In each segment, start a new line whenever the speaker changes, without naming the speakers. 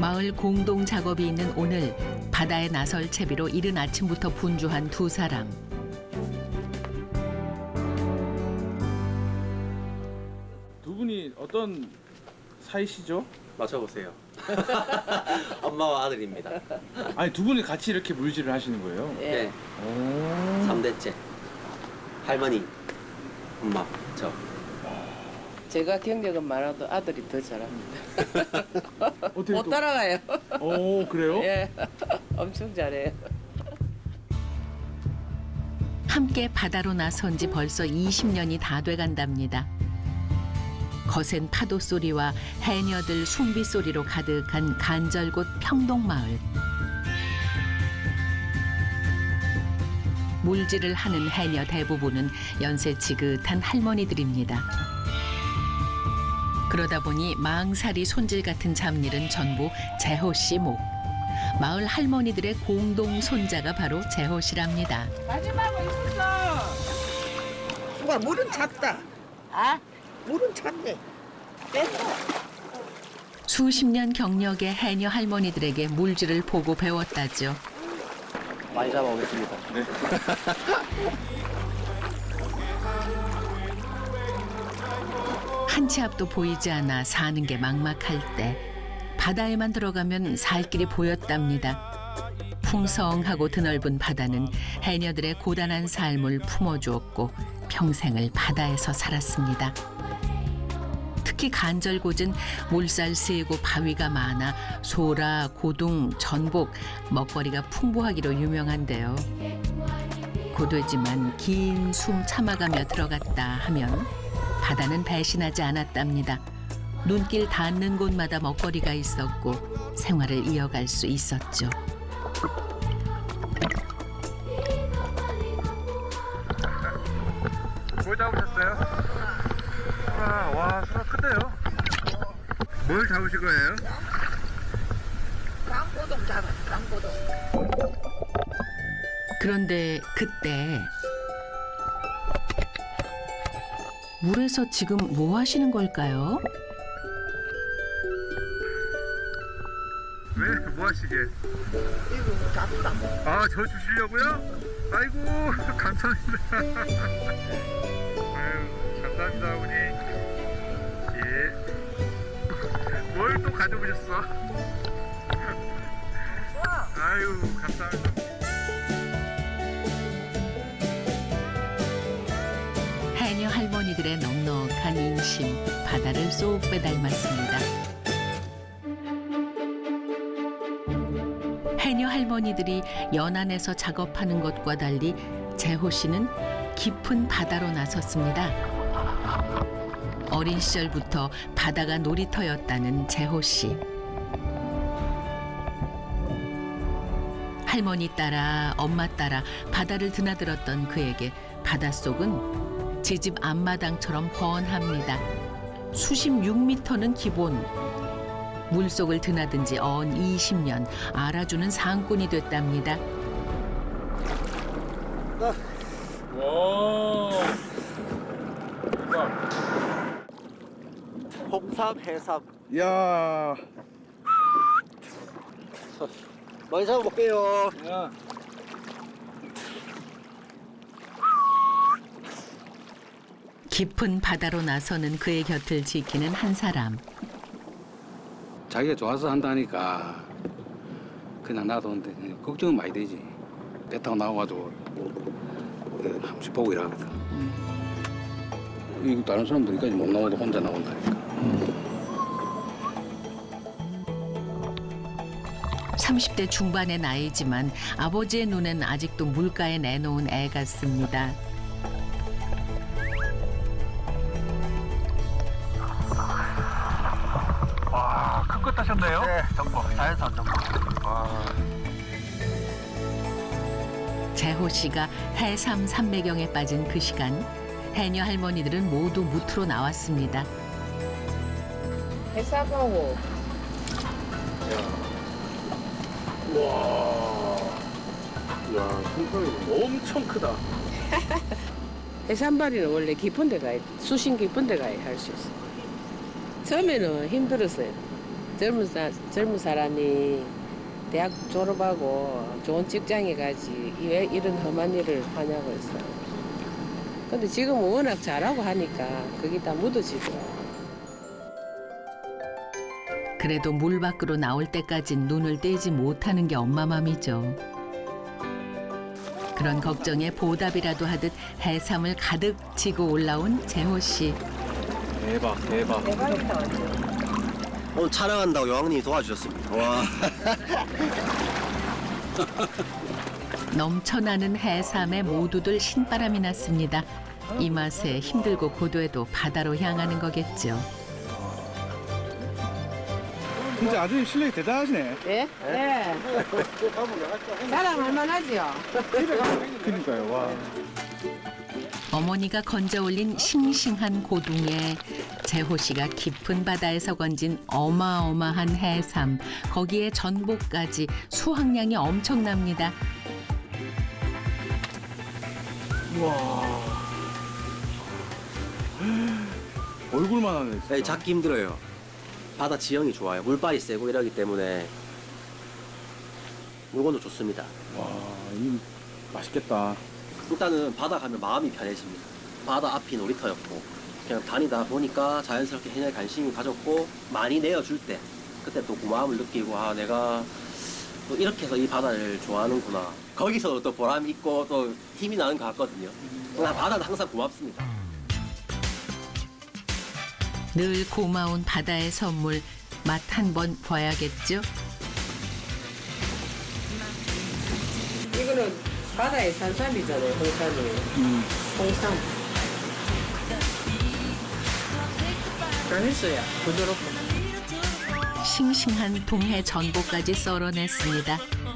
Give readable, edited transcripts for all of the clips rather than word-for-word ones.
마을 공동 작업이 있는 오늘 바다에 나설 채비로 이른 아침부터 분주한 두 사람.
두 분이 어떤 사이시죠?
맞춰보세요. 엄마와 아들입니다.
아니 두 분이 같이 이렇게 물질을 하시는 거예요?
네.
오.
3대째. 할머니, 엄마, 저.
제가 경력은 많아도 아들이 더 잘합니다.
어떻게
못
또?
따라가요.
오 그래요?
예, 엄청 잘해요.
함께 바다로 나선 지 벌써 20년이 다 돼간답니다. 거센 파도 소리와 해녀들 숨비 소리로 가득한 간절곶 평동마을. 물질을 하는 해녀 대부분은 연세 지긋한 할머니들입니다. 그러다 보니 망사리 손질 같은 잡일은 전부 재호 씨 목. 마을 할머니들의 공동 손자가 바로 재호 씨랍니다.
마지막으로 있었어.
수가 물은 찼다.
아?
물은 찼네. 뺐어.
수십 년 경력의 해녀 할머니들에게 물질을 보고 배웠다죠.
많이 잡아오겠습니다.
네.
한 치 앞도 보이지 않아 사는 게 막막할 때 바다에만 들어가면 살 길이 보였답니다. 풍성하고 드넓은 바다는 해녀들의 고단한 삶을 품어주었고 평생을 바다에서 살았습니다. 특히 간절곶은 물살 세고 바위가 많아 소라, 고둥, 전복, 먹거리가 풍부하기로 유명한데요. 고되지만 긴 숨 참아가며 들어갔다 하면 바다는 배신하지 않았답니다. 눈길 닿는 곳마다 먹거리가 있었고 생활을 이어갈 수 있었죠.
뭘 잡으셨어요? 와 수가 크대요. 뭘 잡으실 거예요?
강고동 잡았어. 강고동.
그런데 그때 물에서 지금 뭐 하시는 걸까요?
왜? 뭐 하시게?
이거 잡다.
아 저 주시려고요? 아이고 감사합니다. 아유 감사합니다 어머니. 예. 뭘 또 가져오셨어? 아유 감사합니다.
해녀 할머니들의 넉넉한 인심, 바다를 쏙 빼닮았습니다. 해녀 할머니들이 연안에서 작업하는 것과 달리 재호 씨는 깊은 바다로 나섰습니다. 어린 시절부터 바다가 놀이터였다는 재호 씨. 할머니 따라 엄마 따라 바다를 드나들었던 그에게 바닷속은 제 집 앞마당처럼 훤합니다. 수심 6m는 기본. 물속을 드나든 지 언 20년 알아주는 상꾼이 됐답니다.
와.
홍삼, 해삼.
야.
많이 잡아볼게요.
야.
깊은 바다로 나서는 그의 곁을 지키는 한 사람.
자기가 좋아서 한다니까 그냥 놔두는데 걱정은 많이 되지. 배 타고 나와가지고 한 번씩 보고 일하거든. 이거 다른 사람들까지 못 나와도 혼자 나온다니까.
30대 중반의 나이지만 아버지의 눈엔 아직도 물가에 내놓은 애 같습니다.
와, 큰 거 타셨네요?
네, 전복. 자연산 전복.
재호 씨가 해삼 삼매경에 빠진 그 시간 해녀 할머니들은 모두 무트로 나왔습니다.
해사하고
야, 손가락이 엄청 크다.
해산발이는 원래 깊은 데 가야 돼. 수심 깊은 데 가야 할 수 있어. 처음에는 힘들었어요. 젊은 사람이 대학 졸업하고 좋은 직장에 가지 왜 이런 험한 일을 하냐고 했어. 근데 지금은 워낙 잘하고 하니까 그게 다 묻어지더라고.
그래도 물 밖으로 나올 때까진 눈을 떼지 못하는 게 엄마 맘이죠. 그런 걱정에 보답이라도 하듯 해삼을 가득 지고 올라온 재호 씨.
대박.
오늘 촬영한다고 여왕님이 도와주셨습니다. 와.
넘쳐나는 해삼에 모두들 신바람이 났습니다. 이 맛에 힘들고 고도에도 바다로 향하는 거겠죠.
진짜 아드님 실력이 대단하시네.
예? 네. 자랑할 만하지요.
그러니까요. 와.
어머니가 건져 올린 싱싱한 고둥에 재호 씨가 깊은 바다에서 건진 어마어마한 해삼, 거기에 전복까지 수확량이 엄청납니다.
얼굴만 하네. 진짜.
네, 잡기 힘들어요. 바다 지형이 좋아요. 물빨이 세고 이러기 때문에 물건도 좋습니다.
와, 이 맛있겠다.
일단은 바다 가면 마음이 편해집니다. 바다 앞이 놀이터였고 그냥 다니다 보니까 자연스럽게 해녀에 관심이 가졌고 많이 내어줄 때 그때 또 고마움을 느끼고 아 내가 또 이렇게 해서 이 바다를 좋아하는구나. 거기서 또 보람 있고 또 힘이 나는 것 같거든요. 바다는 항상 고맙습니다.
늘 고마운 바다의 선물 맛 한번 봐야겠죠?
이거는 바다의 산삼이잖아요, 홍삼이. 홍삼. 맛있어요, 부드럽고.
싱싱한 동해 전복까지 썰어냈습니다.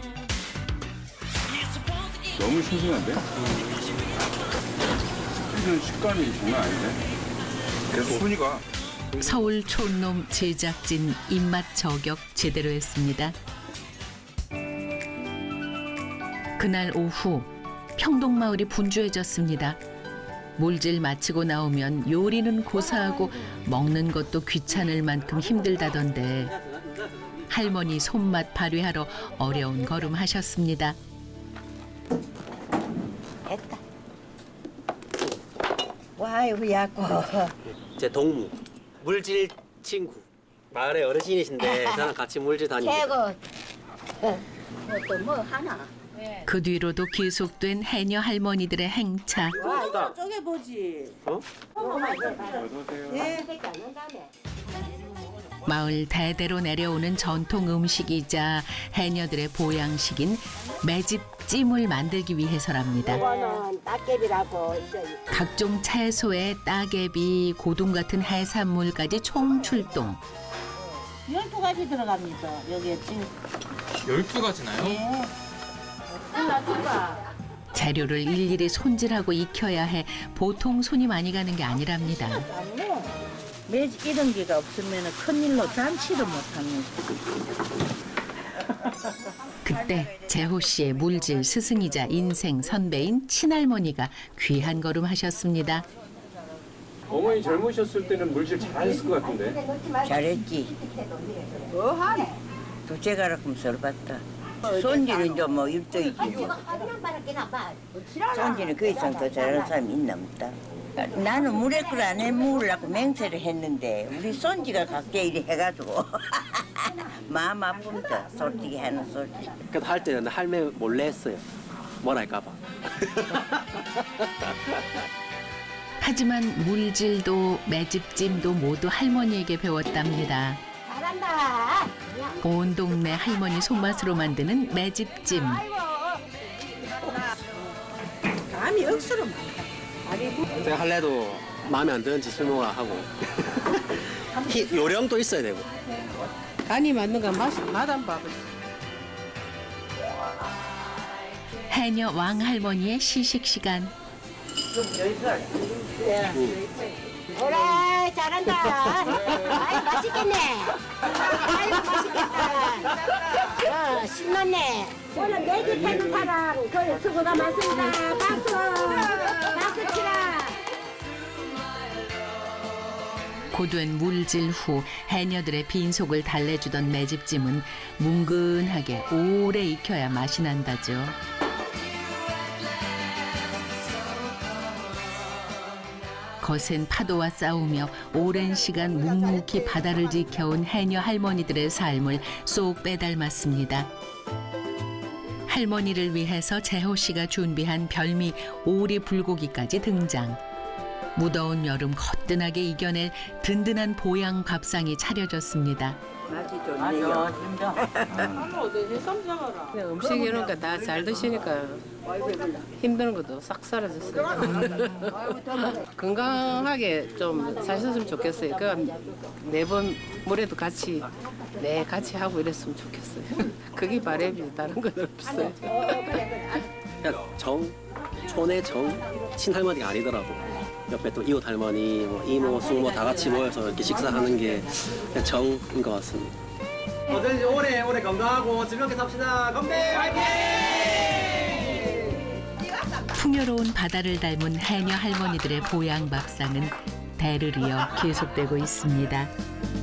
너무 싱싱한데? 씹히는 식감이 장난 아닌데? 계속 순위가
서울 촌놈 제작진 입맛 저격 제대로 했습니다. 그날 오후 평동마을이 분주해졌습니다. 물질 마치고 나오면 요리는 고사하고 먹는 것도 귀찮을 만큼 힘들다던데 할머니 손맛 발휘하러 어려운 걸음 하셨습니다.
와요, 야고.
제 동무 물질 친구 마을의 어르신이신데 저랑 같이 물질 다닙니다.
최고. 또 뭐 하나?
그 뒤로도 계속된 해녀 할머니들의 행차.
와, 쪼개 보지.
어?
예.
마을 대대로 내려오는 전통 음식이자 해녀들의 보양식인 매집찜을 만들기 위해서랍니다.
이거는 따개비라고.
각종 채소에 따개비, 고둥 같은 해산물까지 총출동.
12가지 들어갑니다. 여기에 찜.
12가지나요?
예.
재료를 일일이 손질하고 익혀야 해 보통 손이 많이 가는 게 아니랍니다.
매직 이런 게가 없으면 큰일로 잔치도 못합니다.
그때 재호 씨의 물질 스승이자 인생 선배인 친할머니가 귀한 걸음 하셨습니다.
어머니 젊으셨을 때는 물질 잘하셨을 것 같은데?
잘했지. 둘째 가락금 썰봤다. 손지는 이제 뭐 일도이지 뭐. 손지는 그 이상 더 잘하는 사람이 있나 없다. 나는 물에 끓 안에 먹으려고 맹세를 했는데 우리 손지가 각게 이래 해가지고 마음 아픕니다. 솔직히 하는 소리.
그 할 때는 할매 몰래 했어요. 뭐랄까봐.
하지만 물질도 매집찜도 모두 할머니에게 배웠답니다.
잘한다.
온 동네 할머니 손맛으로 만드는 매집찜.
감이 억수로 많다.
제가 할래도 마음에 안 드는 짓 설명을 하고 요령도 있어야 되고.
간이 맞는 건 맛안 봐봐.
해녀 왕할머니의 시식 시간.
오라 잘한다. 아이 맛있겠네. 아이고 맛있겠다. 신났네. 오늘 매직 해준 사람 그 수고가 많습니다. 박수. 박수 치라.
고된 물질 후 해녀들의 빈속을 달래주던 매집찜은 뭉근하게 오래 익혀야 맛이 난다죠. 거센 파도와 싸우며 오랜 시간 묵묵히 바다를 지켜온 해녀 할머니들의 삶을 쏙 빼닮았습니다. 할머니를 위해서 재호 씨가 준비한 별미 오리 불고기까지 등장. 무더운 여름 거뜬하게 이겨낼 든든한 보양 밥상이 차려졌습니다.
맛이 좋네요.
그냥 음식 이런 거 다 잘 드시니까 힘드는 것도 싹 사라졌어요. 건강하게 좀 사셨으면 좋겠어요. 그 매번 물에도 같이 하고 이랬으면 좋겠어요. 그게 바람이 다른 건 없어요.
그냥 촌의 친할머니가 아니더라도 옆에 또 이웃 할머니, 뭐 이모, 숙모 다 같이 모여서 이렇게 식사하는 게 그냥 정인 것 같습니다.
어쩐지 오래 건강하고 즐겁게 삽시다. 건배 화이팅!
풍요로운 바다를 닮은 해녀 할머니들의 보양 밥상은 대를 이어 계속되고 있습니다.